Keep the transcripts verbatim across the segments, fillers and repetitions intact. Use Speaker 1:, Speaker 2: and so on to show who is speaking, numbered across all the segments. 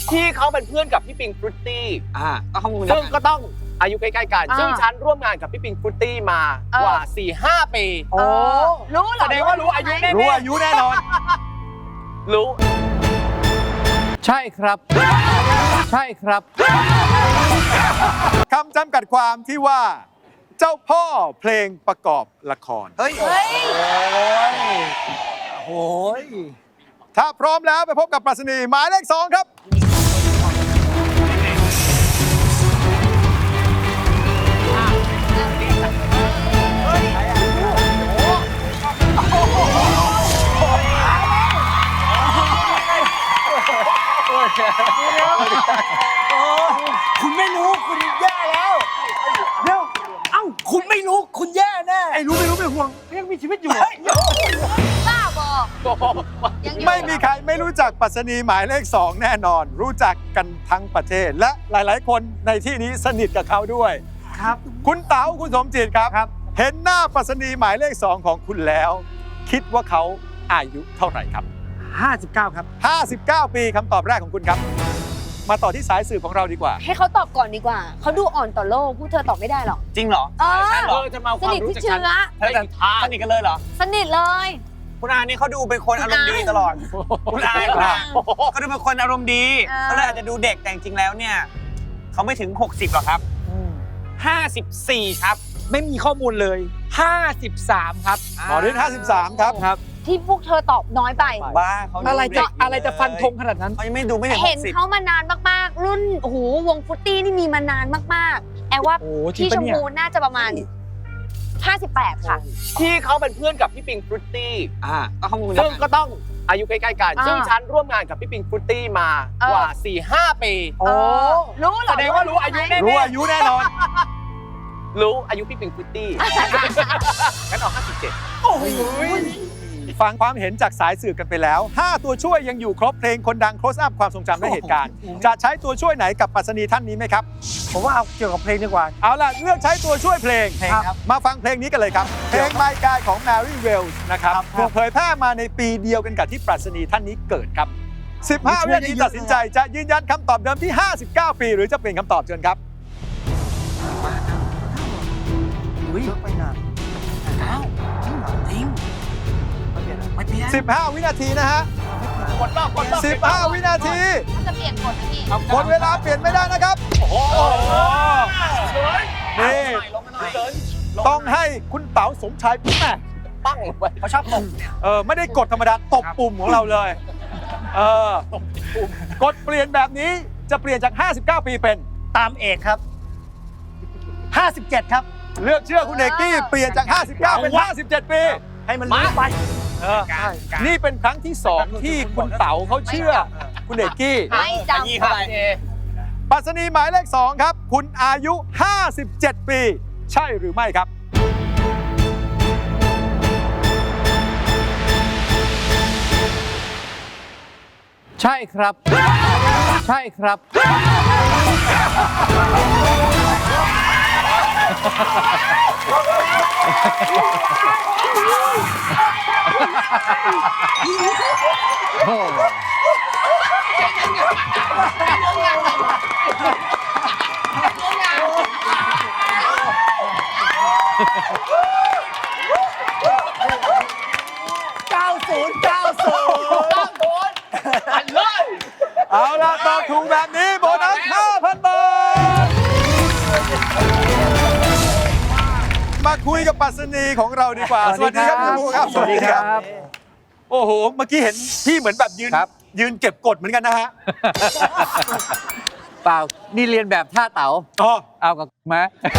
Speaker 1: ที่เขาเป็นเพื่อนกับพี่ปิงฟรุตตี้
Speaker 2: อ่าก็ข้อมูล
Speaker 1: ซึ่งก็ต้องอายุใกล้ๆกันซึ่งฉันร่วมงานกับพี่ปิงฟรุตตี้มากว่า สี่ห้า ปี
Speaker 3: โอ้รู้เหรอ
Speaker 1: แสดงว่ารู้อายุแน่ๆ
Speaker 2: รู้อายุแน่นอน
Speaker 1: รู้ใช่ครับใช่ครับ
Speaker 4: คำจำกัดความที่ว่าเจ้าพ่อเพลงประกอบละคร
Speaker 2: เฮ้ย
Speaker 3: เฮ้ย
Speaker 2: โอ้ย
Speaker 4: ถ้าพร้อมแล้วไปพบกับปรัชนีหมายเลขสองครับ
Speaker 2: คุณไม่รู้คุณแย่แล้วเดี๋ยวเอ้าคุณไม่รู้คุณแย่แน่ไอ้รู้ไม่รู้ไม่ห่วงยังมีชีวิตอยู่
Speaker 3: บ้าบอกยังอยู่
Speaker 4: ไม่มีใครไม่รู้จักปรัชนีหมายเลขสองแน่นอน รู้จักกันทั้งประเทศ และหลาย ๆ คนในที่นี้สนิทกับเขาด้วย
Speaker 2: ครับ
Speaker 4: คุณเต๋าคุณสมจิตครับ
Speaker 2: ครับ
Speaker 4: เห็นหน้าปรัชนีหมายเลขสองของคุณแล้ว คิดว่าเขาอายุเท่าไหร่ครับ
Speaker 2: ห้าสิบเก้าครับ
Speaker 4: ห้าสิบเก้า ปีคำตอบแรกของคุณครับ มาต่อที่สายสืบของเราดีกว่า
Speaker 3: ให้เขาตอบก่อนดีกว่า เขาดูอ่อนต่อโลกพูดเธอตอบไม่ได้หรอก
Speaker 2: จริงเหรอ
Speaker 3: เออ
Speaker 1: เออจะมาเอา
Speaker 3: ส
Speaker 1: ความ
Speaker 3: นิท
Speaker 1: รู้
Speaker 3: ที่
Speaker 1: จาก
Speaker 3: เชื้
Speaker 1: ฉัน
Speaker 3: อ
Speaker 1: ได้กี่ทาง
Speaker 2: สนิทกันเลยเหรอ
Speaker 3: สนิทเลย
Speaker 2: คุณอานี่เขาดูเป็นคนอารมณ์ดีตลอด คุณอาคุณอาเขาดูเป็นคนอารมณ์ดี
Speaker 3: เออ
Speaker 2: เขาเลยอาจจะดูเด็กแต่จริงๆแล้วเนี่ยเขาไม่ถึง หกสิบหรอกครับห้าสิบสี่ครับ
Speaker 5: ไม่มีข้อมูลเลย ห้าสิบสาม ครับ
Speaker 4: หมอฤทธิ์ห้าสิบสามครับ
Speaker 5: ครับ
Speaker 3: ที่พวกเธอตอบน้อยไป
Speaker 2: บ้าเขาดู
Speaker 5: อะไรจะ
Speaker 2: เด็ก
Speaker 5: อะไรจะฟันธงขนาดนั้น
Speaker 2: เขายังไม่ดูไม่ถึงห
Speaker 3: เห็น
Speaker 2: กสิบ
Speaker 3: เขามานานมากๆ รุ่นโอ้โหวงฟุตตี้นี่มีมานานมากๆ แอลว่า
Speaker 5: โอ้จริง
Speaker 3: พี่ช
Speaker 5: ปะ
Speaker 3: ม
Speaker 5: เนี่ย
Speaker 3: พูน่าจะประมาณ ห้าสิบแปด ค่ะ
Speaker 1: ที่เขาเป็นเพื่อนกับพี่ปิงฟรุตตี้
Speaker 2: อ่าก็ข้อมูล
Speaker 1: ซึ่งก็ต้องอายุใกล้ๆกัน
Speaker 3: อ่า
Speaker 1: ซึ่งฉันร่วมงานกับพี่ปิงฟรุตตี้มากว่า สี่ห้า ปี
Speaker 3: โอ้รู้เหรอ
Speaker 1: แสดงว่ารู้อายุแน่ๆ
Speaker 4: รู้อายุแน่นอน
Speaker 1: รู้อายุพี่ปิงฟรุตตี้งั้นเอาห้าสิบเจ็ด
Speaker 4: ฟังความเห็นจากสายสืบกันไปแล้ว ห้า ตัวช่วยยังอยู่ครบเพลงคนดัง close up ความทรงจำและเหตุการณ์ จะใช้ตัวช่วยไหนกับปรัชนีท่านนี้ไหมครับ
Speaker 2: ผมว่าเอาเกี่ยวกับเพลงดีกว่า
Speaker 4: เอาล่ะ เลือกใช้ตัวช่วยเพลง
Speaker 2: เพลงครับ
Speaker 4: มาฟังเพลงนี้กันเลยครับ เพลง My Guy ของ Mary Wells นะครับถูกเผยแพร่มาในปีเดียวกันกับที่ปรัชนีท่านนี้เกิดครับ สิบห้า วินาทีตัดสินใจจะยืนยันคำตอบเดิมที่ ห้าสิบเก้า ปี หรือจะเปลี่ยนคำตอบเชิญครับ
Speaker 2: อุ้ยไปนานอ้าวจริงเหรอจริงไม่เปลี่ยนไม่เปลี่ยน
Speaker 4: สิบห้า วินาทีนะฮะ
Speaker 1: กดรอบกดรอบ
Speaker 4: สิบห้า วินาที
Speaker 3: เขาจะเปลี่ยนกฎนะพี่
Speaker 4: หมดเวลาเปลี่ยนไม่ได้นะครับ
Speaker 1: โอ้โหสวย
Speaker 4: นี่ ต้องให้คุณเต๋าสมชายแม่
Speaker 1: ปั้งลงไป
Speaker 2: เขาชอบตบเนี่ย
Speaker 4: เออไม่ได้กดธรรมดาตบปุ่มของเราเลย เออ กดเปลี่ยนแบบนี้จะเปลี่ยนจาก ห้าสิบเก้า ปีเป็น
Speaker 2: ตามเอกครับห้าสิบเจ็ดครับ
Speaker 4: เลือกเชื่อคุณเอกกี้เปลี่ยนจาก ห้าสิบเก้า เป็น ห้าสิบเจ็ด ปี
Speaker 2: ให้มันรู้ไป
Speaker 4: เออนี่เป็นครั้งที่สองที่คุณเต๋าเขาเชื่อคุณเอกกี้
Speaker 3: ไม่จำ
Speaker 2: ยี่เท่าไหร่
Speaker 4: ปรัชนีหมายเลขสองครับ คุณอายุ ห้าสิบเจ็ด ปี ใช่หรือไม่ครับ
Speaker 1: ใช่ครับ ใช่ครับ
Speaker 2: เก้าศูนย์ เก้าศูนย์
Speaker 1: อันเลย
Speaker 4: เอาล่ะตอบถูกแบบนี้โบนัส ห้าพัน บาท มาคุยกับปรัชนีของเราดีกว่า สวัสดีครับคุณครูครับ
Speaker 5: สวัสดีครับ
Speaker 4: โอ้โห เมื่อกี้เห็นพี่เหมือนแบบยืน
Speaker 1: ครับ
Speaker 4: ยืนเก็บกดเหมือนกันนะฮะ
Speaker 1: เปล่า นี่เรียนแบบท่าเต๋า
Speaker 4: อ๋อ
Speaker 1: เอากับมา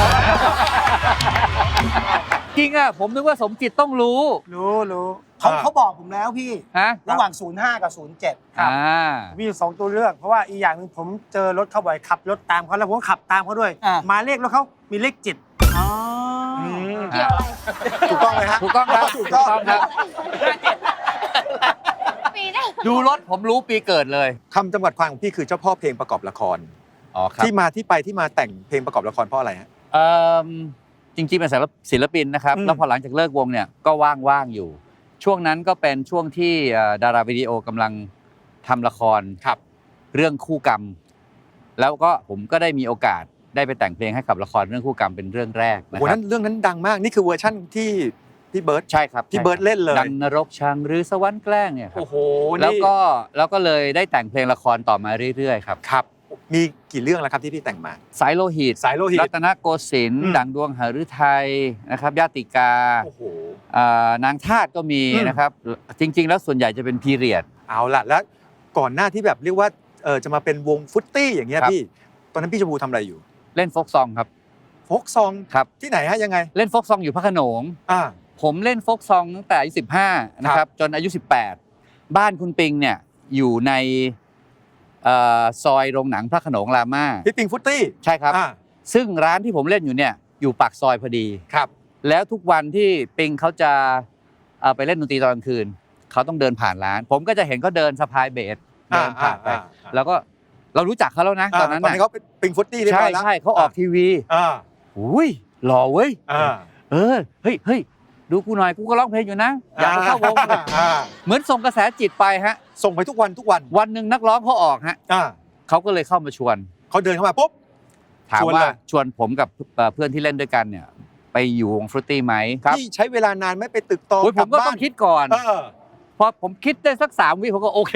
Speaker 1: จริงอ่ะ ผมนึกว่าสมจิตต้องรู้
Speaker 2: รู้รู้เขาเขาบอกผมแล้วพี่
Speaker 1: ฮะ
Speaker 2: ระหว่าง ศูนย์ห้า กับ ศูนย์เจ็ด
Speaker 1: อ่า
Speaker 6: มีอยู่สองตัวเลือกเพราะว่าอีกอย่างหนึ่งผมเจอรถเขาบ่อยขับรถตามเขาแล้วผมก็ขับตามเขาด้วย
Speaker 2: อ่า
Speaker 6: หมายเลขรถเขามีเลขเจ็ด
Speaker 2: อ๋อ
Speaker 3: เกี่ยวอะไร
Speaker 4: ถูกต้องไหมฮะ
Speaker 1: ถูกต้องครับ
Speaker 4: ถูกต้อง
Speaker 1: ครับ
Speaker 3: ปีหน้า
Speaker 1: ดูรถผมรู้ปีเกิดเลย
Speaker 4: คำจำกัดความของพี่คือเจ้าพ่อเพลงประกอบละคร
Speaker 1: อ๋อครับ
Speaker 4: ที่มาที่ไปที่มาแต่งเพลงประกอบละครเพราะอะไรฮะ
Speaker 1: เอ่อจริงๆเป็นศิลปินนะครับ
Speaker 4: อืม
Speaker 1: แล้วพอหลังจากเลิกวงเนี่ยก็ว่างๆอยู่ ช่วงนั้นก็เป็นช่วงที่เอ่อดาราวิดีโอกำลังทำละคร
Speaker 4: ครับ
Speaker 1: เรื่องคู่กรรม แล้วก็ผมก็ได้มีโอกาสได้ไปแต่งเพลงให้กับละครเรื่องคู่กรรมเป็นเรื่องแรกนะ
Speaker 4: โอ้
Speaker 1: ค
Speaker 4: โห
Speaker 1: รั
Speaker 4: นั้
Speaker 1: บ
Speaker 4: นเรื่องนั้นดังมากนี่คือเวอร์ชั่นที่พี่เบิร์ต
Speaker 1: ใช่ครับ
Speaker 4: พี่เบิร์ตเล่นเลย
Speaker 1: ดันนรกชังหรือสวรรค์แกล้งเนี่ยครับ
Speaker 4: โอ้โห
Speaker 1: แล้วก็แล้วก็เลยได้แต่งเพลงละครต่อมาเรื่อยๆครับ
Speaker 4: ครับมีกี่เรื่องแล้วครับที่พี่แต่งมา
Speaker 1: สายโลหิต
Speaker 4: สายโลหิต
Speaker 1: รัตนโกสินท
Speaker 4: อื
Speaker 1: ร์
Speaker 4: ม
Speaker 1: ดังดวงหฤทัยนะครับญาติกา
Speaker 4: โอ้โห
Speaker 1: อ่านางทาสก็มี
Speaker 4: อืม
Speaker 1: นะครับจริง ๆ แล้วส่วนใหญ่จะเป็นพีเรียด
Speaker 4: เอาล่ะแล้วก่อนหน้าที่แบบเรียกว่าเออจะมาเป็นวงฟุตตี้อย่างเงี้ย
Speaker 1: ครับ
Speaker 4: พี่ตอนนั้นพี่ชมพูทำอะไรอยู่
Speaker 1: เล่นโฟกซองครับ
Speaker 4: โฟกซอง
Speaker 1: ครับ
Speaker 4: ที่ไหนฮะยังไง
Speaker 1: เล่นโฟกซองอยู่พระโขนง
Speaker 4: อ่า
Speaker 1: ผมเล่นโฟกซองตั้งแต่อายุสิบห้านะครับจนอายุสิบแปดบ้านคุณปิงเนี่ยอยู่ในเอ่อซอยโรงหนังพระโขนงรามา
Speaker 4: พี่ปิงฟุตตี้
Speaker 1: ใช่ครับ
Speaker 4: อ่า
Speaker 1: ซึ่งร้านที่ผมเล่นอยู่เนี่ยอยู่ปากซอยพอดี
Speaker 4: ครับ
Speaker 1: แล้วทุกวันที่ปิงเขาจะเอ่อไปเล่นดนตรีตอนกลางคืนเขาต้องเดินผ่านร้าน ผมก็จะเห็นเขาเดินสะพายเบสเดินผ่านไป
Speaker 4: อ่าอ่า
Speaker 1: แล้วก็เรารู้จักเขาแล้วนะตอนนั้น
Speaker 4: ตอน
Speaker 1: น่ะ
Speaker 4: นี้เขาเป็นปิงฟุตตี้เรียบ
Speaker 1: ใช่
Speaker 4: ร้อยแล้ว
Speaker 1: ใช่เขาออกทีวี
Speaker 4: อ่า
Speaker 1: อุ้ยหล่อเว้ย
Speaker 4: อ่า
Speaker 1: เออเฮ้ยเฮ้ยดูกูหน่อยกูก็ร้องเพลงอยู่นะอยากจะเข้าวง
Speaker 4: อ่า
Speaker 1: เหมือนส่งกระแสจิตไปฮะ
Speaker 4: ส่งไปทุกวันทุกวัน
Speaker 1: วันหนึ่งนักร้องเขาออกฮะ
Speaker 4: อ่า
Speaker 1: เขาก็เลยเข้ามาชวน
Speaker 4: เขาเดินเข้ามาปุ๊บ
Speaker 1: ถาม
Speaker 4: ชวน
Speaker 1: ว่า
Speaker 4: เลย
Speaker 1: ชวนผมกับเอ่อเพื่อนที่เล่นด้วยกันเนี่ยไปอยู่วงฟรุตตี้ไหมครับ
Speaker 4: พี่ใช้เวลานานไหม่ไปตึกตอง
Speaker 1: โอ้ยผมก็
Speaker 4: ลับบ้าน
Speaker 1: ต้องคิดก่อน
Speaker 4: เออ
Speaker 1: พอผมคิดได้สักสามวิผมก็โอเค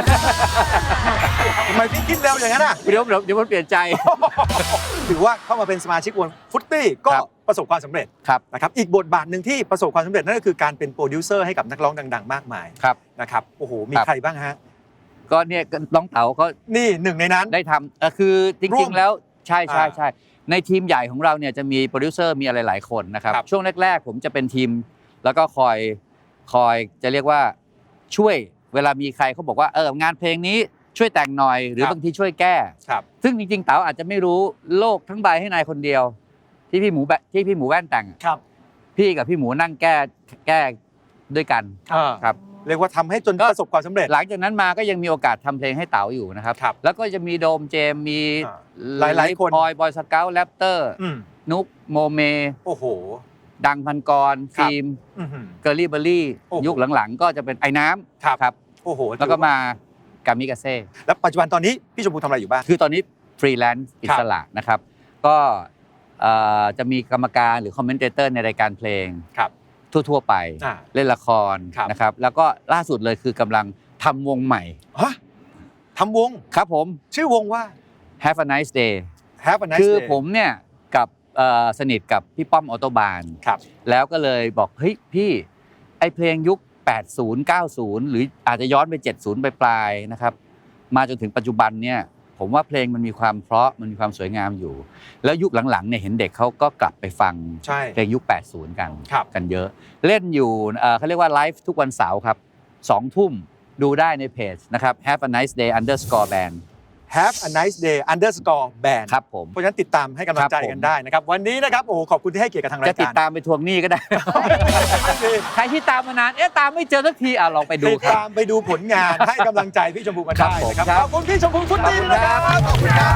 Speaker 4: ทำไมพี่คิดเร็วอย่างนั้นอ่ะ
Speaker 1: เดี๋ยวเดี๋ยวเดี๋ยวมันเปลี่ยนใจ
Speaker 4: ถือว่าเข้ามาเป็นสมาชิกวงฟุตตี้ก็
Speaker 1: ครับ
Speaker 4: ประสบความสำเร็จ
Speaker 1: ครับ
Speaker 4: นะครับอีกบทบาทหนึ่งที่ประสบความสำเร็จนั่นก็คือการเป็นโปรดิวเซอร์ให้กับนักร้องดังๆ มากมาย
Speaker 1: ครับ
Speaker 4: นะครับโอ้โหมี
Speaker 1: ครับ
Speaker 4: ใครบ้างฮะ
Speaker 1: ก็เนี่ยน้องเต๋าก็
Speaker 4: นี่หนึ่งในนั้น
Speaker 1: ได้ทำเอ่อคือจ
Speaker 4: ร่
Speaker 1: ริ
Speaker 4: ว
Speaker 1: ง
Speaker 4: ม
Speaker 1: ๆแล้วใช่ใช่
Speaker 4: อ่า
Speaker 1: ใช่ในทีมใหญ่ของเราเนี่ยจะมีโปรดิวเซอร์มีอะไรหลายคนนะครับ
Speaker 4: ครับ
Speaker 1: ช่วงแรกๆ ผมจะเป็นทีม แล้วก็คอยคอยจะเรียกว่าช่วยเวลามีใครเขาบอกว่าเอองานเพลงนี้ช่วยแต่งหน่อย หรือบางทีช่วยแก้
Speaker 4: ครับ
Speaker 1: ซึ่งจริงๆเต๋าอาจจะไม่รู้โลกทั้งใบให้นายคนเดียว ที่พี่หมูแบที่พี่หมูแว่นแต่งอะ
Speaker 2: ครับ
Speaker 1: พี่กับพี่หมูนั่งแก้แก้ด้วยกัน
Speaker 4: อ่า
Speaker 1: ครับ
Speaker 4: เรียกว่าทำให้จน
Speaker 1: ก็
Speaker 4: ประสบความสำเร็จ
Speaker 1: หลังจากนั้นมาก็ยังมีโอกาสทำเพลงให้เต๋าอยู่นะครับ
Speaker 4: ครับ
Speaker 1: แล้วก็จะมีโดมเจมส์มี
Speaker 4: อ่าหลายๆคน
Speaker 1: บอยบอยสเกลแรปเตอร์
Speaker 4: อืม
Speaker 1: นุกโมเม
Speaker 4: โอ้โห
Speaker 1: ดังพันกร
Speaker 4: ครับ
Speaker 1: ฟิล์ม
Speaker 4: อื้อหือ
Speaker 1: เกอร์ลี่เบอร์รี่
Speaker 4: โอ้โห
Speaker 1: ยุคหลังๆ ก็จะเป็นไอ้น้ำ
Speaker 4: ครับ
Speaker 1: ครับ
Speaker 4: โอ้โห
Speaker 1: แล้วก็มากามิกาเซ่
Speaker 4: แล้วปัจจุบันตอนนี้พี่ชมพูทำอะไรอยู่บ้าง
Speaker 1: คือตอนนี้ฟรีแลนซ์อิสระนะครับ ก็เอ่อจะมีกรรมการหรือคอมเมนเตเตอร์ในรายการเพลง
Speaker 4: ครับ
Speaker 1: ทั่วๆไป
Speaker 4: อ่า
Speaker 1: เล่นละคร
Speaker 4: ครับ
Speaker 1: นะครับ แล้วก็ล่าสุดเลยคือกำลังทำวงใหม่
Speaker 4: ฮะทำวง
Speaker 1: ครับผม
Speaker 4: ชื่อวงว่า
Speaker 1: Have a nice day
Speaker 4: Have a nice
Speaker 1: คือ
Speaker 4: day
Speaker 1: ผมเนี่ยกับเอ่อสนิทกับพี่ป้อมออโตบาน
Speaker 4: ครับ
Speaker 1: แล้วก็เลยบอกเฮ้ยพี่ไอเพลงยุค แปดสิบ เก้าสิบ หรืออาจจะย้อนไป เจ็ดสิบ ไปปลายๆนะครับ มาจนถึงปัจจุบันเนี่ยผมว่าเพลงมันมีความเพราะมันมีความสวยงามอยู่ แล้วยุคหลังๆเนี่ยเห็นเด็กเขาก็กลับไปฟัง
Speaker 4: ใช่
Speaker 1: เพลงยุค แปดสิบ กัน
Speaker 4: ครับ
Speaker 1: กันเยอะ เล่นอยู่เอ่อเขาเรียกว่าไลฟ์ทุกวันเสาร์ครับสองทุ่มดูได้ในเพจนะครับ Have a nice day underscore band
Speaker 4: Have a nice day underscore band
Speaker 1: ครับผม
Speaker 4: เพราะฉะนั้นติดตามให้กำลังใจ
Speaker 1: ครับผม
Speaker 4: กันได้นะครับ วันนี้นะครับโอ้โหขอบคุณที่ให้เกียรติกับทางรา
Speaker 1: จะ
Speaker 4: ย
Speaker 1: ติด
Speaker 4: การ
Speaker 1: ตามไปทวงหนี้ก็ได้ ใครที่ตามมานาน เอ๊ะตามไม่เจอสักทีอ่ะลองไปดู
Speaker 4: ติด
Speaker 1: ครับ
Speaker 4: ตามไปดูผลงานให้กำลังใจพี่ชมพูกัน
Speaker 1: ครั
Speaker 4: ได้
Speaker 1: บผม
Speaker 4: นะครับ
Speaker 1: ครับ
Speaker 4: ขอบคุณพี่ชมพูฟุตตี้ด้วยนะครับขอบคุณครับ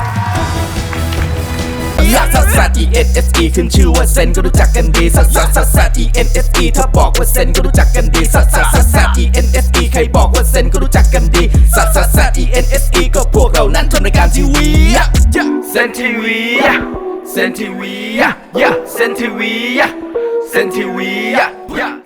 Speaker 7: ลักซัสซัส E N S E ขึ้นชื่อว่าเซนก็รู้จักกันดีซัสซัสซัสซัส E N S E ถ้าบอกว่าเซนก็รู้จักกันดีซัสซัสซัสซัส E N S E ใครบอกว่าเซนก็รู้จักกันดีซัสซัสซัส E N S E ก็พวกเรานั้นทำรายการทีวีเซนทีวีเซนทีวีเซนทีวีเซนทีวี